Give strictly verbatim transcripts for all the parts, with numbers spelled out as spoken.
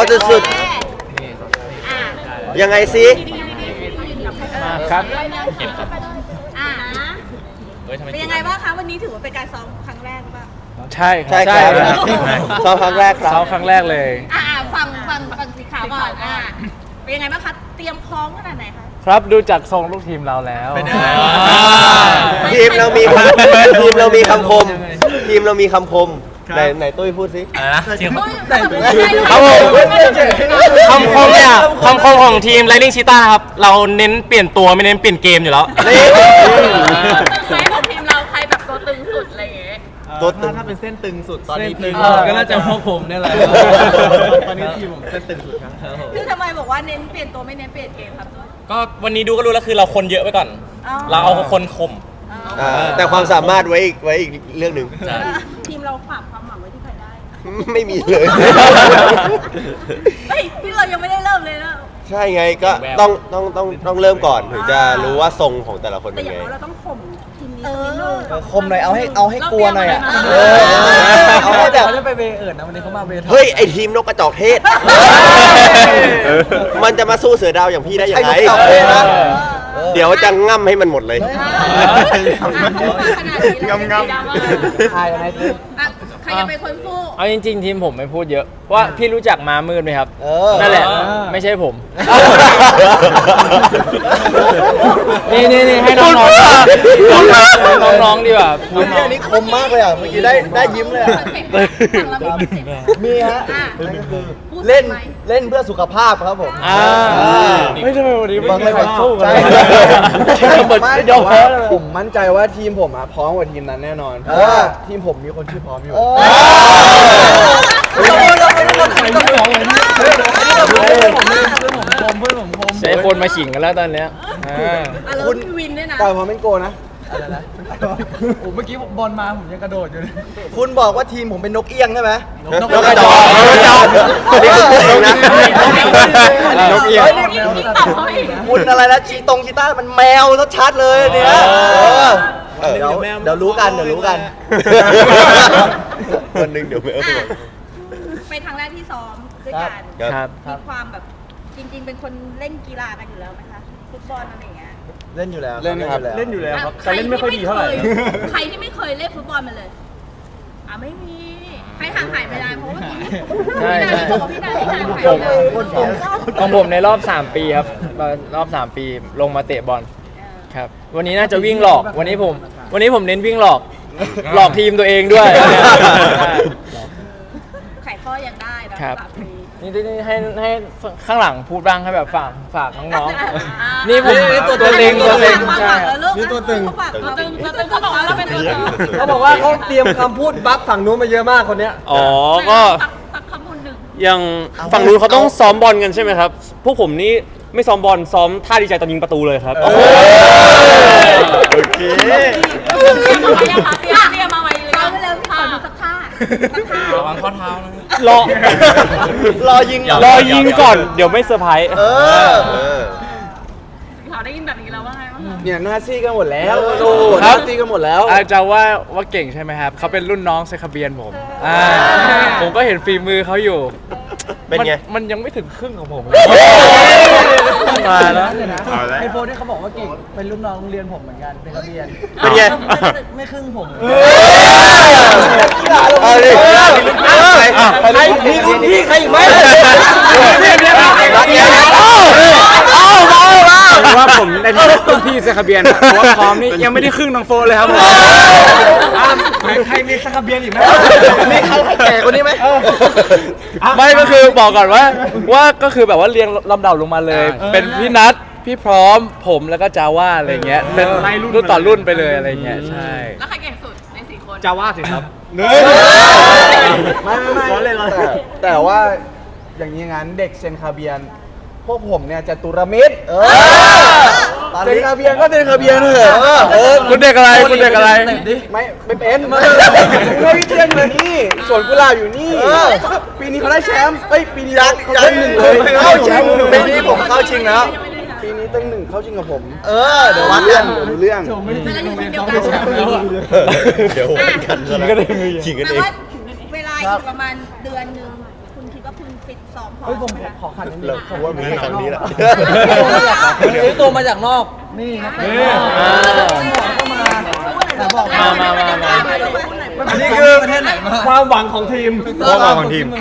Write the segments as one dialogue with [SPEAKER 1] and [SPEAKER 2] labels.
[SPEAKER 1] สุดๆยังไงสิ
[SPEAKER 2] มาครับ
[SPEAKER 3] อ่าเป็นยังไงบ้างคะวันนี้ถือว่าเป็นการซ้อมครั้งแรกหรือเปล่า
[SPEAKER 2] ใช่
[SPEAKER 1] ใช่ครับซ้อมครั้งแรกครับ
[SPEAKER 2] ซ้อมครั้งแรกเลย
[SPEAKER 3] อ่าฟังฟังฟังสีขาวก่อนอ่าเป็นยังไงบ้างคะเตรียมพร้อมขนาดไหนคะ
[SPEAKER 2] ครับดูจากทรงลูกทีมเราแล้วเป็นยังไง
[SPEAKER 1] ทีมเรามีทีมเรามีคำคมทีมเรามีคำคมไหนไหนตุ้ยพูดสิ
[SPEAKER 4] ครับผมคำคมเนี่ยคำคมของทีม Lightning Cheetah นะครับเราเน้นเปลี่ยนตัวไม่เน้นเปลี่ยนเกมอยู่แล้ว
[SPEAKER 3] ใครของทีมเราใครแบบตัวตึงสุดอะไรอย่างเงี้ย
[SPEAKER 1] ตัวตึง
[SPEAKER 5] ถ้าเป็นเส้นตึงสุดตอนนี้ทีม
[SPEAKER 2] ก็น่าจะพวกผมนี่แหละ
[SPEAKER 5] ตอนนี้ทีมผมเส้นตึงสุดครับ
[SPEAKER 3] คือทำไมบอกว่าเน้นเปลี่ยนตัวไม่เน้นเปลี่ยนเกมครับ
[SPEAKER 4] ก็วันนี้ดูก็รู้แล้วคือเราคนเยอะไปก่อนเราเอาคนข่ม
[SPEAKER 1] แต่ความสามารถไว้อีกไว้อีกเรื่องหนึ่ง
[SPEAKER 3] ทีมเราฝากความหวังไว้ที่ใครได้
[SPEAKER 1] ไม่มีเลย
[SPEAKER 3] เฮ้ยที่เรายังไม่ได้เริ่มเลยนะ
[SPEAKER 1] ใช่ไงก็ต้องต้องต้องต้องเริ่มก่อนถึงจะรู้ว่าทรงของแต่ละคนเป็นไง
[SPEAKER 3] เราต้องข่มทีมนี้
[SPEAKER 5] คมหน่อยเอาให้เอาให้กลัวหน่อยอ่ะ
[SPEAKER 1] เอาให้แบบ
[SPEAKER 5] จะไปเวเอิร์ดนะวันนี้เขามาเวท
[SPEAKER 1] เฮ้ยไอทีมนกกระจอกเทศมันจะมาสู้เสือดาวอย่างพี่ได้ยังไงเดี๋ยวจะง่ำให้มันหมดเลย
[SPEAKER 3] ง่ำง่ำ
[SPEAKER 5] ใครอะไรคือ
[SPEAKER 3] ใครจะเป็นคนสู้
[SPEAKER 2] เอาจริงๆทีมผมไม่พูดเยอะว่าพี่รู้จักม้ามืดไหมครับนั่นแหละไม่ใช่ผมนี่นี่นี่ให้น้องๆน้องๆดีกว่า
[SPEAKER 5] พูดอันนี้คมมากเลยอ่ะเมื่อกี้ได้ได้ยิ้มเลยอ่ะมีฮะเล่นเล่นเพื่อสุขภาพครับผม
[SPEAKER 2] ไม่ใช่วันนี้ไม่ใครสู้กัน
[SPEAKER 5] ไม่ยอมแพ้ผมมั่นใจว่าทีมผมอ่ะพร้อมกว่าทีมนั้นแน่นอนเพราะว่าทีมผมมีคนชื่อพร้อมอยู่
[SPEAKER 2] ใช้คนมาขิงกันแล้วตอนเนี้ย
[SPEAKER 3] คุณวินด้วยนะ
[SPEAKER 5] ต่อยพร้อมเป็นโกนะอะไรนะโอ้เมื่อกี้บอลมาผมยังกระโดดอยู่เลยคุณบอกว่าทีมผมเป็นนกเอี้ยงใช่ไหม
[SPEAKER 1] นกกระจอกนกกระจอกนี่คือเพลงนะนกเอี้ยง
[SPEAKER 5] คุณอะไรนะชีตรงชีต้ามันแมวชัดๆเลยเนี่ยเดี๋ยวเดี๋ยวรู้กันเดี๋ยวรู้กัน
[SPEAKER 1] วันหนึ่งเดี๋ยวแมว
[SPEAKER 3] เป็นครั้งแรกที่ซ้อมด้วยกันมีความแบบจริงๆเป็นคนเล่นกีฬากันอยู่แล้วไหมคะฟุตบอลอะไรอย่างเงี้ย
[SPEAKER 5] เล่นอยู่แล้ว
[SPEAKER 2] เล่นครับ
[SPEAKER 5] เล่นอยู่แล้วครับ
[SPEAKER 3] แต่เล่นไม่ค่อยดีเท่าไหร่ใครที่ไม่เคยเล่นฟุตบอลมาเลยอ่ะไม่มีใครห่างหายไปได้เพราะว่า
[SPEAKER 2] ใช่ใช่
[SPEAKER 3] พี่นายพี่นายห่างหายไป
[SPEAKER 2] ของผมในรอบสามปีครับรอบสามปีลงมาเตะบอลครับวันนี้น่าจะวิ่งหลอกวันนี้ผมวันนี้ผมเน้นวิ่งหลอกหลอกทีมตัวเองด้วย
[SPEAKER 3] ไข่ข้อยังได้นะครับ
[SPEAKER 2] นี่นี่ให้ให้ข้างหลังพูดบ้างให้แบบฝากฝากน้องๆนี่ผมตัวตัวเต็งตัวเต็งใช่
[SPEAKER 5] นี่ตัวตึง
[SPEAKER 3] ตัวตึงตัวตึงเขาบอกว่าเราเป็นตัวตึง
[SPEAKER 5] เขาบอกว่าเขาเตรียมคำพูดบัฟฝั่งนู้นมาเยอะมากคนเนี้ย
[SPEAKER 4] อ๋อก็ยังฝั่งนู้นเขาต้องซ้อมบอลกันใช่ไหมครับพวกผมนี่ไม่ซ้อมบอลซ้อมท่าดีใจตอนยิงประตูเลยครับโอ
[SPEAKER 1] เค
[SPEAKER 3] เตรียมเตรียมมาไว้เลยเอาไปเลยพี่ขอดูสักท่าสักท่า
[SPEAKER 4] ระวังข้อเท้านะ
[SPEAKER 1] รอรอยิง
[SPEAKER 4] รอยิงก่อนเดี๋ยวไม่เซอร์ไพรส์
[SPEAKER 1] เออ
[SPEAKER 3] เขาได้ยินแบบนี้แล้วว่าไงบ้าง
[SPEAKER 5] เนี่ยหน้าซี่กันหมดแล้วโอ้หน้าซี่กันหมดแล้ว
[SPEAKER 2] อาจจะว่าว่าเก่งใช่ไหมครับเขาเป็นรุ่นน้องเซคาเบียนผมผมก็เห็นฝีมือเขาอยู่
[SPEAKER 1] เป็นไง
[SPEAKER 2] มันยังไม่ถึงครึ่งของผม
[SPEAKER 5] มาแล้วไอโฟนที่เขาบอกว่าเก่งเป็นรุ่นน้องโรงเรียนผมเหมือนกันเป็นนักเรียน
[SPEAKER 1] เป็นไง
[SPEAKER 5] ไม่ครึ่งผม
[SPEAKER 1] เอาดิ
[SPEAKER 5] ใครมีรุ่นพี่ใครอีกไหม
[SPEAKER 2] ว่าผมในฐานะรุ่นพี่เซคาเบียนเพราะว่าพร้อมนี่ยังไม่ได้ครึ่งน้องโฟเลยครับ
[SPEAKER 5] ใครมีเซคาเบียนอีกไหมมีใครแก่กว่านี้ไหม
[SPEAKER 2] ไม่ก็คือบอกก่อนว่าว่าก็คือแบบว่าเรียงลำดับลงมาเลยเป็นพี่นัทพี่พร้อมผมแล้วก็จาว่าอะไรเงี้ยเป็นรุ่นต่อรุ่นไปเลยอะไรเงี้ยใช่
[SPEAKER 3] แล้วใครเก่งสุดในสี่คน
[SPEAKER 4] จาว่าสิครับ
[SPEAKER 5] ไม่ไม่ไม่แต่ว่าอย่างนี้งั้นเด็กเซนคาเบียนพวกผมเนี่ยจะตุรมิตรเซนคาเบียนก็เซนคาเบียนเถอะ
[SPEAKER 2] คุณเด็กอะไรคุณเด็กอะไร
[SPEAKER 5] ไม่ไม่เป็นไม่วิเทียนอยู่นี่สวนกุหลาบอยู่นี่ปีนี้เขาได้แชมป์เอ้ยปีนี้เขาได้หนึ่งเลยเข้าชิงปีนี้ผมเข้าชิงแล้วปีนี้ตั้งหนึ่งเข้าชิงกับผมเออเดี๋ยววัดเรื่องเดี๋ยวเรื่อง
[SPEAKER 3] เดี๋ยววัดกัน
[SPEAKER 1] เดี๋ยววัดกันก็ได้
[SPEAKER 3] ชิงกันเองเวลาอีกประมาณเดือนนึงคุณคิดว่าคุณฟิตซ้อมพอ
[SPEAKER 5] เฮ้ยผม
[SPEAKER 3] ไหมคะ
[SPEAKER 5] ขอขันนิดนึ
[SPEAKER 1] เรา
[SPEAKER 5] ง
[SPEAKER 1] ผมว่ามีแค่ครั้งนี้แหละ
[SPEAKER 5] ซื้อตัวมาจากนอก นี่นะก็มาแต่บอก
[SPEAKER 2] มามามามา
[SPEAKER 5] อันนี้คือประเทศไหนมาความหวังของทีม
[SPEAKER 1] ความหวังของทีม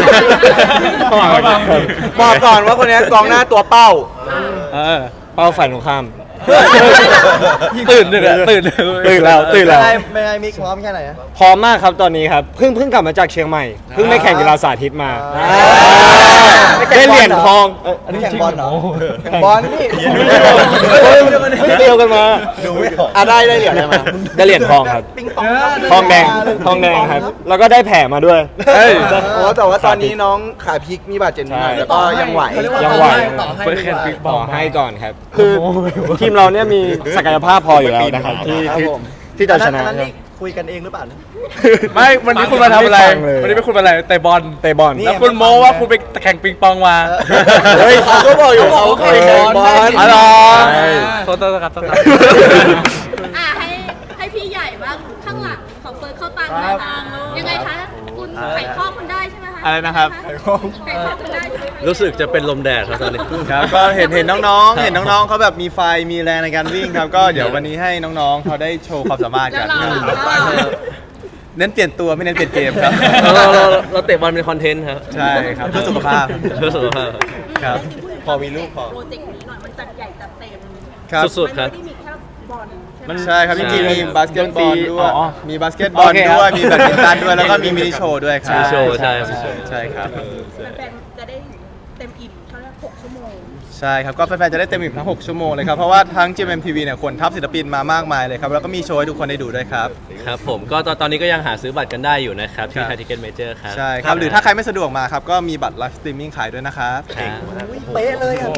[SPEAKER 5] บอกก่อนว่าคนนี้กองหน้าตัวเป้า
[SPEAKER 2] เออ
[SPEAKER 6] เป้าฝ่ายตรงข้าม
[SPEAKER 2] ตื่นเลยอะตื่นเลย
[SPEAKER 6] ตื่นแล้วตื่นแล้ว
[SPEAKER 1] ไม่ได้มิกพร้อมแค่ไหนอะ
[SPEAKER 6] พร้อมมากครับตอนนี้ครับเพิ่งเพิ่งกลับมาจากเชียงใหม่เพิ่งไปแข่งกีฬาสาธิตมา
[SPEAKER 1] อ่า
[SPEAKER 6] ได้เหรียญทองเอ้ยอันนี้
[SPEAKER 1] แข่ง
[SPEAKER 6] จริง
[SPEAKER 1] บอลเหรอ
[SPEAKER 5] แข่งบอลนี่
[SPEAKER 6] เฮ้ยเฮ้ยเดียวกันมา
[SPEAKER 1] ดูไม่ออก
[SPEAKER 6] อ่ะได้ได้เหรียญอะไรมาได้เหรียญทองครับ
[SPEAKER 1] ปิงปอง
[SPEAKER 6] ทองแดงทองแดงครับ แล้วก็ได้แผลมาด้วย
[SPEAKER 2] เฮ้ย
[SPEAKER 5] โอ้แต่ว่าตอนนี้น้องขาพลิกมีบาดเจ็บนิดหน่อยแล้วก็ยังไหว
[SPEAKER 6] ยังไหว
[SPEAKER 2] เปิดแข่งปิงป
[SPEAKER 6] ต่
[SPEAKER 2] อ
[SPEAKER 6] อง ให้ก่อนครับ คือทีมเราเนี่ยมีศักยภาพพออยู่แล้วนะครับที่ที่ที่จะชนะ
[SPEAKER 1] อันี่คุยกันเองหรือเปล่าเนี่ย
[SPEAKER 2] ไม่วันนี้คุณมาทำอะไร
[SPEAKER 6] ไม่ฟังเลย
[SPEAKER 2] วันนี้ไม่คุณมาอะไรเตะบอล
[SPEAKER 6] เตะบอล
[SPEAKER 2] แล้วคุณโม้ว่าคุณไปแข่งปิงปองมา
[SPEAKER 1] เฮ้ยเขาก็บอกอยู่เขาเคยแข่งบอล
[SPEAKER 2] อ๋อเหรอ
[SPEAKER 6] ใช่
[SPEAKER 2] โทษโทษครับโทษครับ
[SPEAKER 3] อ่ะให้ให้พี่ใหญ่บ้างข้างหลังของเฟิร์สเข้าตังค์นะคะยังไงคะคุณไขข้อคุณได้ใช่ไหมคะ
[SPEAKER 2] อะไรนะครับ
[SPEAKER 3] ไขข้อไขข้อคุณได้ใช่ไหมคะ
[SPEAKER 1] รู้สึกจะเป็นลมแดดครับตอนนี้
[SPEAKER 7] ครับก็เห็นเห็นน้องๆ เห็นน้องๆเขาแบบมีไฟมีแรงในการวิ่งครับ ก็เดี๋ยววันนี้ให้น้องๆเขาได้โชว์ความสามารถ
[SPEAKER 3] แล้
[SPEAKER 7] กั
[SPEAKER 3] วน เรา
[SPEAKER 7] ครับ
[SPEAKER 3] แล้วเรา
[SPEAKER 7] เน้นเปลี่ยนตัวไม่เน้นเปลี่ยนเกมครับ
[SPEAKER 1] เราเราเราเตะบอลเป็นคอนเทนต์ครับ
[SPEAKER 7] ใช่ครับเพื่อสุขภาพ
[SPEAKER 1] เพื่อสุขภาพ
[SPEAKER 7] ครับ
[SPEAKER 1] พอมีลูกพอ
[SPEAKER 3] โปรเจกต์นี้หน่อยมันจัดใหญ่จัดเต็ม
[SPEAKER 7] ครับ
[SPEAKER 1] สุดๆครับ
[SPEAKER 3] มันไม่ได้มีแค่บอลใช่ไหม
[SPEAKER 7] ใช่ครับจริงๆมีบาสเกตบอลด้วย
[SPEAKER 2] อ๋อ
[SPEAKER 7] มีบาสเกตบอล
[SPEAKER 2] โอเคครับ
[SPEAKER 7] ด้วย มีแบดมินตันด้วย แล้วก็มีมินิโชว์ด้วยครับ
[SPEAKER 1] มินิโชว์ใช่ครับ
[SPEAKER 7] ใช่ครับ
[SPEAKER 3] แฟนๆจะได้เต็มอิ่มเท่านั้นหกชั่วโมง
[SPEAKER 7] ใช่ครับ ก็แฟนๆ จะได้เต็มอิ่มทั้งหกชั่วโมงเลยครับ เพราะว่าทั้ง จี เอ็ม ที วี เนี่ยคนทัพศิลปินมามากมายเลยครับ แล้วก็มีโชว์ให้ทุกคนได้ดูด้วยครับ
[SPEAKER 1] ครับผมก็ตอนตอนนี้ก็ยังหาซื้อบัตรกันได้อยู่นะครับ ที่
[SPEAKER 7] ครับ
[SPEAKER 1] ไทยทิเก็ตเมเจอร์ครับ
[SPEAKER 7] ใช่ครับ หรือถ้าใครไม่สะดวกมาครับ ก็มีบัตรไลฟ์สตรีมมิ่งขายด้วยนะครับ
[SPEAKER 1] ครับ
[SPEAKER 5] เป๊ะเลยอ่ะ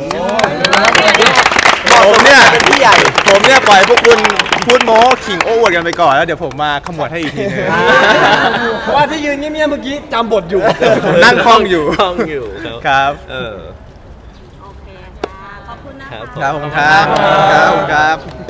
[SPEAKER 7] ผมเนี่ย
[SPEAKER 1] เป็นพี่ใหญ่
[SPEAKER 7] ผมเนี่ยปล่อยให้พวกคุณพูดโม้ขิงโอ้อวดกันไปก่อนแล้วเดี๋ยวผมมาขมวดให้อีกทีนึง
[SPEAKER 5] เพราะว่าที่ยืนเงียบๆเมื่อกี้จำบทอยู่
[SPEAKER 7] ผมนั่งคล่องอยู่
[SPEAKER 1] คล่องอยู่ครับ
[SPEAKER 7] ครับ
[SPEAKER 1] เออ
[SPEAKER 3] โอเคค่ะ ขอบคุณนะคะ
[SPEAKER 1] ครับ
[SPEAKER 7] ครับผมครับครับผมครับ